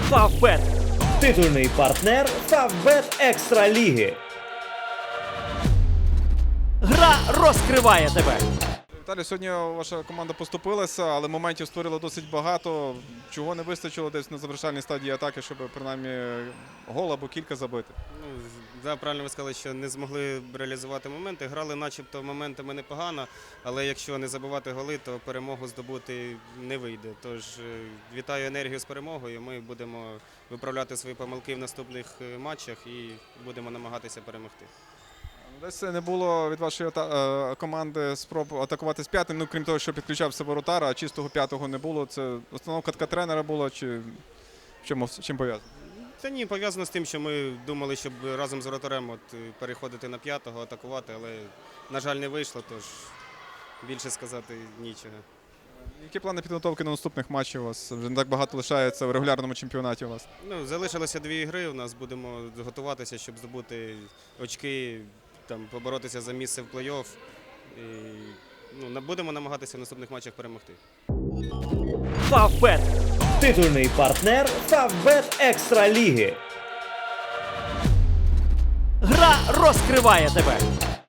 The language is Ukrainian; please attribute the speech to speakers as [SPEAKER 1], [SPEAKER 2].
[SPEAKER 1] Фавбет – титульний партнер Фавбет Екстра Ліги. Гра розкриває тебе.
[SPEAKER 2] Віталій, сьогодні ваша команда поступилася, але моментів створила досить багато. Чого не вистачило десь на завершальній стадії атаки, щоб принаймні гол або кілька забити?
[SPEAKER 3] Да, правильно ви сказали, що не змогли реалізувати моменти. Грали начебто моментами непогано, але якщо не забивати голи, то перемогу здобути не вийде. Тож вітаю енергію з перемогою. Ми будемо виправляти свої помилки в наступних матчах і будемо намагатися перемогти.
[SPEAKER 2] Десь не було від вашої команди спроб атакувати з п'ятим, крім того, що підключався воротар, а чистого п'ятого не було. Це установка така тренера була, чи чим пов'язано?
[SPEAKER 3] Це ні, пов'язано з тим, що ми думали, щоб разом з воротарем переходити на п'ятого, атакувати, але, на жаль, не вийшло, тож більше сказати нічого.
[SPEAKER 2] Які плани підготовки на наступних матчів у вас? Вже не так багато лишається в регулярному чемпіонаті у вас.
[SPEAKER 3] Залишилося 2 ігри, у нас будемо готуватися, щоб здобути очки, поборотися за місце в плей-офф. Будемо намагатися в наступних матчах перемогти.
[SPEAKER 1] Фавбет – титульний партнер Фавбет Екстра Ліги. Гра розкриває тебе.